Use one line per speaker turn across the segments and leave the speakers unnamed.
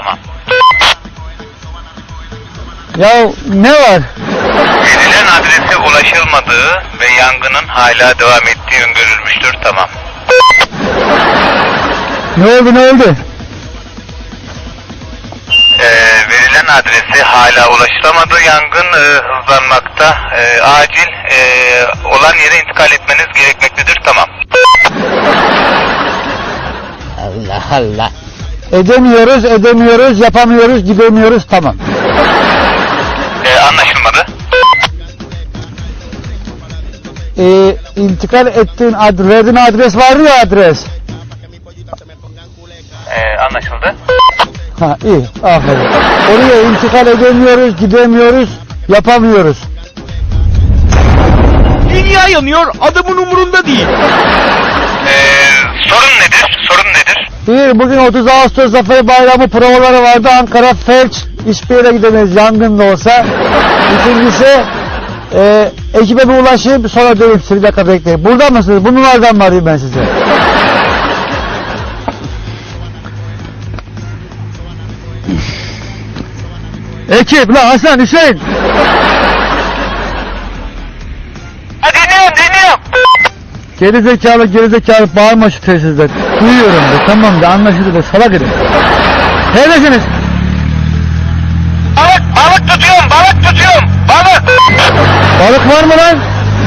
tamam.
Ya ne var?
Verilen adrese ulaşılmadığı ve yangının hala devam ettiği öngörülmüştür, tamam.
Ne oldu?
Verilen adrese hala ulaşılamadı, yangın hızlanmakta, acil olan yere intikal etmeniz gerekmektedir, tamam.
Allah Allah. Edemiyoruz, yapamıyoruz, gidemiyoruz, tamam.
Anlaşılmadı.
İntikal ettiğin verdiğin adres vardı ya, adres.
Anlaşıldı.
Ha, iyi, aferin. Oraya intikal edemiyoruz, gidemiyoruz, yapamıyoruz.
Dünya yanıyor, adamın umurunda değil.
Sorun nedir?
Bugün 30 Ağustos Zafer Bayramı provaları vardı. Ankara felç, hiçbir yere gidemeyiz, yangın da olsa. İkincisi, ekibe bir ulaşayım, sonra dönüp size, bir dakika bekleyin. Burada mısınız? Bu numaradan mı arayayım ben size? Ekip, lan Hasan, Hüseyin.
Dinliyorum.
Gerizekalı bağırma şu telsizden. Duyuyorum da, tamam da, anlaşıldı da, salak edin. Neredesiniz?
Balık tutuyorum.
Balık var mı lan?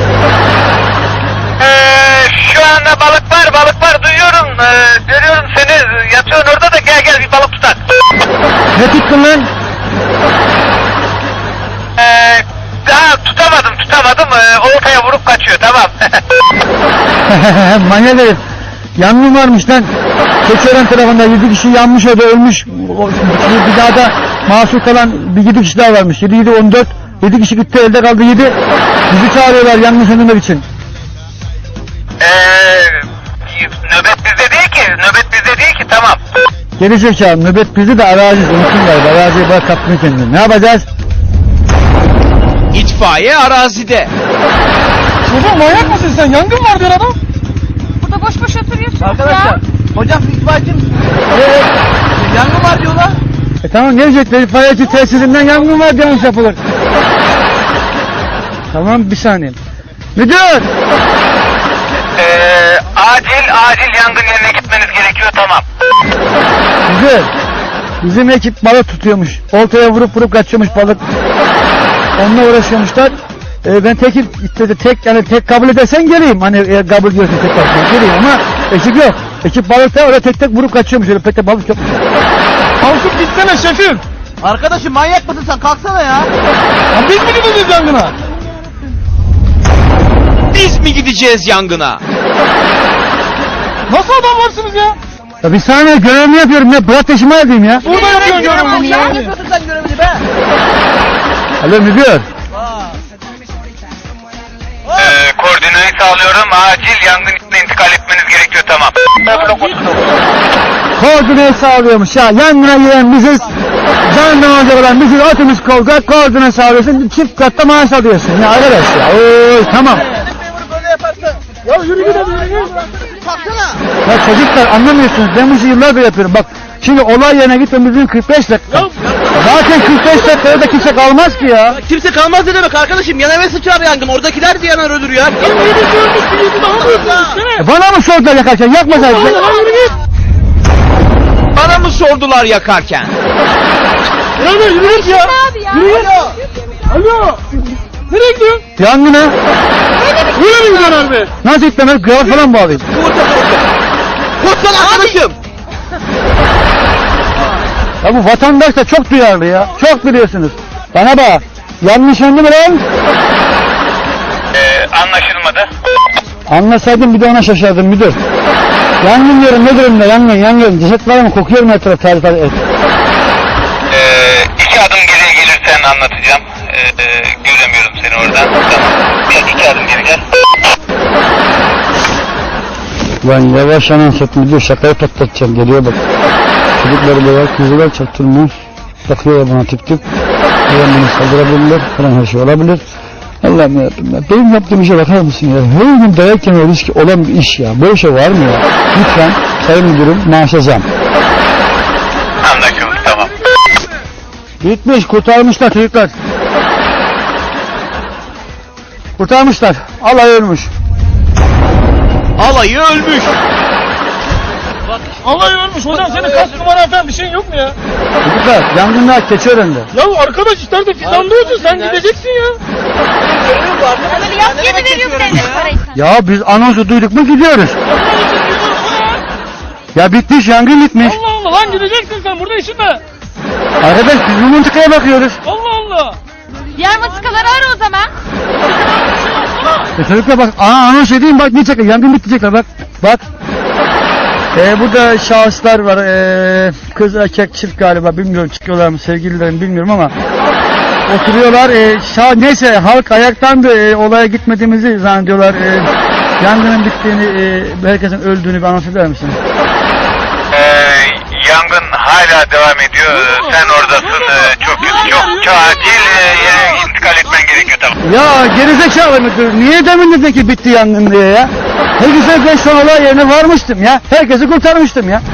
Şu anda balık var, duyuyorum. Görüyorum seni, yatıyorsun orada da, gel bir balık tutak.
Ne tuttun lan?
Daha tutamadım. Oltaya vurup kaçıyor, tamam.
Manyak herif. Yangın varmış lan. Keçiören tarafında 7 kişi yanmış, o da ölmüş. Bir daha da mahsur kalan bir 7 kişi daha varmış. 7, 14. 7 kişi gitti, elde kaldı 7. Bizi çağırıyorlar yangın söndürmek için.
Nöbet bizde değil ki, tamam.
Gerizekalı, nöbet bizi de araziz. Unutun galiba. Araziye bırak, kaptın kendini. Ne yapacağız?
İtfaiye arazide.
Çocuğum, manyak mısın sen? Yangın var diyor adam.
Burada boş oturuyorsunuz
Arkadaşlar,
ya.
hocam itfaiyeci misiniz? Evet. Yangın var diyorlar.
Tamam, gelecekler. İtfaiyeci tesisinden yangın var, yanlış yapılır. Tamam, bir saniye. Müdür!
Acil yangın yerine gitmeniz gerekiyor, tamam.
Güzel. Bizim ekip balık tutuyormuş. Oltaya vurup kaçıyormuş balık. Onunla uğraşıyormuşlar. Ben tek kabul edersen geleyim. Hani kabul diyorsun, tek kabul geleyim ama ekip yok. Ekip balıkta öyle tek vurup kaçıyormuş. Öyle pek balık yok. Kalkıp gitsene şefim.
Arkadaşım manyak mısın sen? Kalksana ya.
Ya biz mi gideceğiz yangına?
Biz mi gideceğiz yangına?
Nasıl adamlarsınız ya? Ya bir saniye, görevimi yapıyorum ya. Bırak peşime edeyim ya.
Burada yapıyorsun görevini ya. Ne yapıyorsun sen görevini be?
Alo müdür.
Koordinayı sağlıyorum. Acil yangın içine intikal etmeniz gerekiyor, tamam.
Koordine sağlıyormuş ya. Yangına giren biziz. Canından olacak olan biziz. Otobüs koordine sağlıyorsun. Çift katta maaş alıyorsun ya arkadaş ya. Oy, tamam.
Memuru böyle yaparsa. Ya yürü yürü. Kalksana.
Ya çocuklar, anlamıyorsunuz. Ben bu işi yıllardır yapıyorum. Bak şimdi olay yerine gitmemizin 45 dakika. Zaten 45 dakikada da kimse kalmaz ki ya.
Kimse kalmaz ne demek arkadaşım? Yan eve sıçrar yangın. Oradakiler de yanar ölür ya.
Bana mı sordular yakarken? Yakmasaydın.
Bana mı sordular yakarken?
Yürü ya.
Abi ya.
Alo. Nereye gidiyorsun? Yangına. Öyle mi gidiyorsun abi? Nasıl gitmem? Kravat falan bağlayayım.
Koşsana arkadaşım.
Ya bu vatandaş da çok duyarlı ya. Çok biliyorsunuz. Bana bak. Yanlış anladın mı lan?
Anlaşılmadı.
Anlasaydım bir de ona şaşardım müdür. Yangın diyorum, ne durumda? Yangın. Ceset var mı? Kokuyor mu etraf? Tarif et.
2 adım geriye gelirsen anlatacağım. Göremiyorum seni oradan. Tamam. 2 adım geri gel.
Lan yavaş anasat müdür, şakayı patlatacağım. Geliyor bak. Çocukları da var, kızlar çaktırmıyor. Bakıyorlar bana tip. Hemen beni saldırabilirler. Falan her şey olabilir. Allah'ım yarabbim ya. Benim yaptığım işe bakar mısın ya? Her gün dayak yeme riski olan bir iş ya. Böyle şey var mı ya? Lütfen sayın müdürüm, maaşa zam.
Anlaşıldı, tamam.
Bitmiş, kurtarmışlar çocuklar. Kurtarmışlar. Allah ölmüş.
Alayı ölmüş.
Allah ölmüş hocam, senin kask numaran falan bir şeyin yok mu ya?
Çocuklar yangınlar Keçiören'de.
Ya arkadaş işte fidandıyorsun, sen gideceksin ya.
Hadi yap geri veriyorum devlet parayı sana.
Ya biz anonsu duyduk mu gidiyoruz. Ya bitmiş, yangın bitmiş.
Allah Allah lan, gideceksin sen, burada işin ne?
Arkadaş biz bu mıntıkaya bakıyoruz.
Allah Allah.
Diğer matikaları ara o zaman.
Çocuklar bak, anons edeyim bak, ne çekiyor, yangın bitecekler bak. Bak. Burada şahıslar var, kız erkek çift galiba, bilmiyorum çıkıyorlar mı sevgililerim bilmiyorum ama oturuyorlar, neyse halk ayaktandı, olaya gitmediğimizi zannediyorlar, yangının bittiğini, herkesin öldüğünü bir anons eder misin?
Yangın hala devam ediyor. Sen oradasın. Çok kötü. Çok acil yere intikal etmen gerekiyor, tamam.
Ya gerizekalı müdür, niye demin dedin ki bitti yangın diye ya? Ne güzel ben şu an olay yerine varmıştım ya, herkesi kurtarmıştım ya.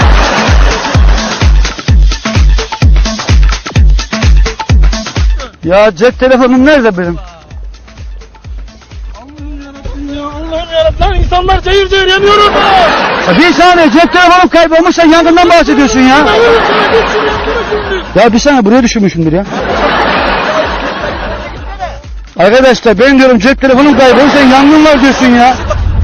Ya cep telefonum nerede benim?
Allah'ım yarabbim ya, Allah'ım yarabbim. Lan insanlar cayır cayır yanıyor orada.
Ya bir saniye, cep telefonum kaybolmuş, sen yangından bahsediyorsun ya. Ya bir saniye, buraya düşürmüşümdür ya. Arkadaşlar ben diyorum cep telefonum kaybolmuş, sen yangın var diyorsun ya.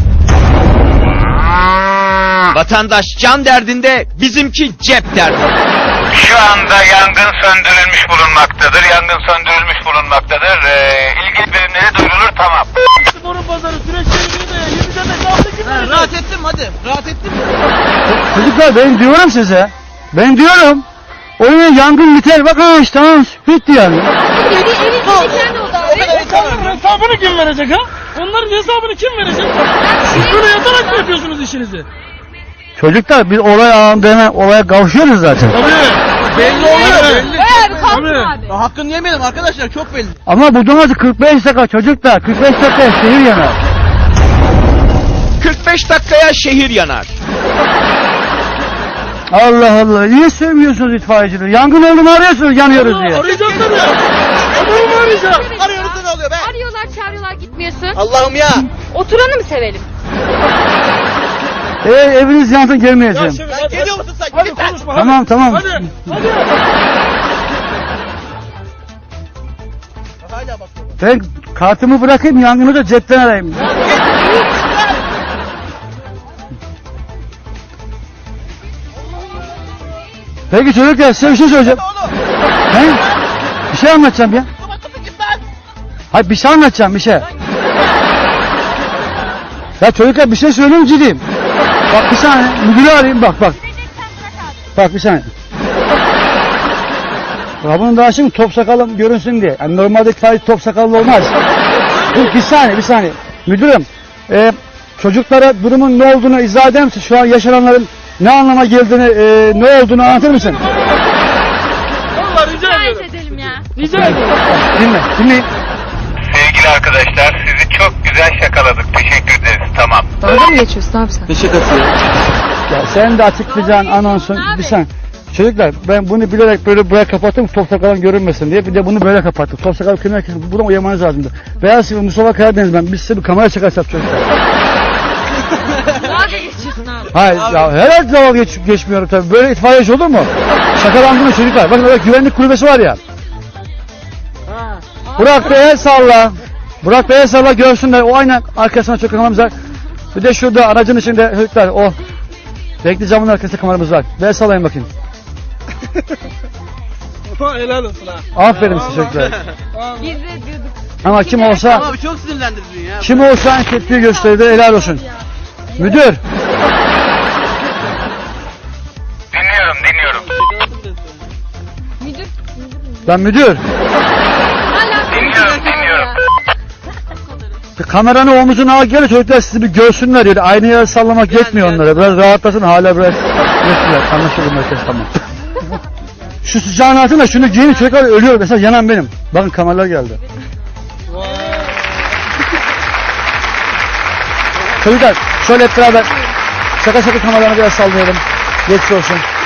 Vatandaş can derdinde, bizimki cep derdinde.
Şu anda yangın söndürülmüş bulunmaktadır. Yangın söndürülmüş bulunmaktadır. İlgili birimlere duyurulur, tamam.
Sporun pazarı süreç çevirdiğinde ya. 7'de mesafede kim verecek?
Rahat ettim hadi. Rahat ettim.
Çocuklar ben diyorum size. Ben diyorum. Oyun yangın biter. Bak ha işte tamam. Bitti yani.
Evin içinde kendi oda abi.
Onların hesabını kim verecek ha? Onların hesabını kim verecek? Siz böyle yatarak mı yapıyorsunuz işinizi?
Çocuklar biz olay anında hemen olaya kavuşuyoruz zaten.
Tabii.
Belli oluyor belli.
Bayağı bir kalktın
Tabii.
abi.
Hakkını yemeyelim arkadaşlar, çok belli.
Ama bu domatesi 45 dakika çocuklar. 45 dakika şehir yanar.
45 dakikaya şehir yanar.
Allah Allah. Niye söylemiyorsunuz itfaiyecileri? Yangın oldu mu arıyorsunuz yanıyoruz diye.
Arayacağım tabii. Adamı mı arayacağım?
Arıyoruz da ne oluyor be?
Arıyorlar çağırıyorlar gitmiyorsun.
Allah'ım ya.
Oturanı mı sevelim?
Eviniz yansın gelmeyeceğim.
Şefim,
Sen geliyor musun sen?
Hadi
Git lan.
konuşma.
Tamam tamam.
Hadi. Hadi.
Hala bakıyorum.
Ben kartımı bırakayım, yangını da cepten arayayım. Peki çocuklar size bir şey söyleyeceğim.
Oğlum.
He? Bir şey anlatacağım ya.
Kapatın git lan.
Hayır bir şey anlatacağım bir şey. Ya çocuklar bir şey söyleyeyim ciddiyim. Bak bir saniye müdürü arayayım bak. Bak bir saniye. Ya bunun daha şimdi top sakalım görünsün diye. Yani normalde sadece top sakallı olmaz. Dur bir saniye. Müdürüm çocuklara durumun ne olduğunu izah eder misin? Şu an yaşananların ne anlama geldiğini, ne olduğunu anlatır mısın?
Vallahi rica
Gayet
ediyorum.
edelim ya.
Rica ediyorum.
Dinleyin.
Sevgili arkadaşlar, sizi çok güzel şakaladık. Teşekkür ederiz, tamam.
Dalga mı geçiyorsun abi sen?
Ya sen de açıklayacaksın anonsun.
Abi.
Bir saniye. Çocuklar ben bunu bilerek böyle buraya kapattım top sakalım görünmesin diye. Bir de bunu böyle kapattık. Top sakal kime herkesin buradan uyamanız lazımdı. Beyaz TV Mustafa Karadeniz ben. Biz size bir kamera çakası yapacağız çocuklar.
Dalga geçiyorsun abi.
Hayır ya herhalde dalga geçmiyorum tabii. Böyle itfaiyeci olur mu? Şakalandınız çocuklar. Bakın orada güvenlik kulübesi var ya. Burak Bey'e salla. Burak Bey'e salla görsünler. O aynen arkasına çok kameramız var. Bir de şurada aracın içinde çocuklar o. Renkli camın arkasında kameramız var. Bey'e sallayın bakayım.
Helal olsun ha.
Aferin size çocuklar.
Biz de diyorduk.
Ama kim olsa
Abi çok sinirlendirdin ya.
kim olsa en tepkiyi gösterdi helal olsun. Müdür.
Dinliyorum.
Müdür.
Lan müdür.
Hala
Dinliyorum.
Kameranın omuzuna al gel çocuklar sizi bir görsünler diyor. Aynı yere sallamak yetmiyor onlara. Biraz rahatlasın hala biraz yetmiyor. Anlaşıldı merkez tamam. Şu sıcağın altında şunu giyin çocuklar ölüyor. Mesela yanan benim. Bakın kameralar geldi. Çocuklar şöyle hep beraber şaka kameralarını biraz sallayalım. Geçmiş olsun.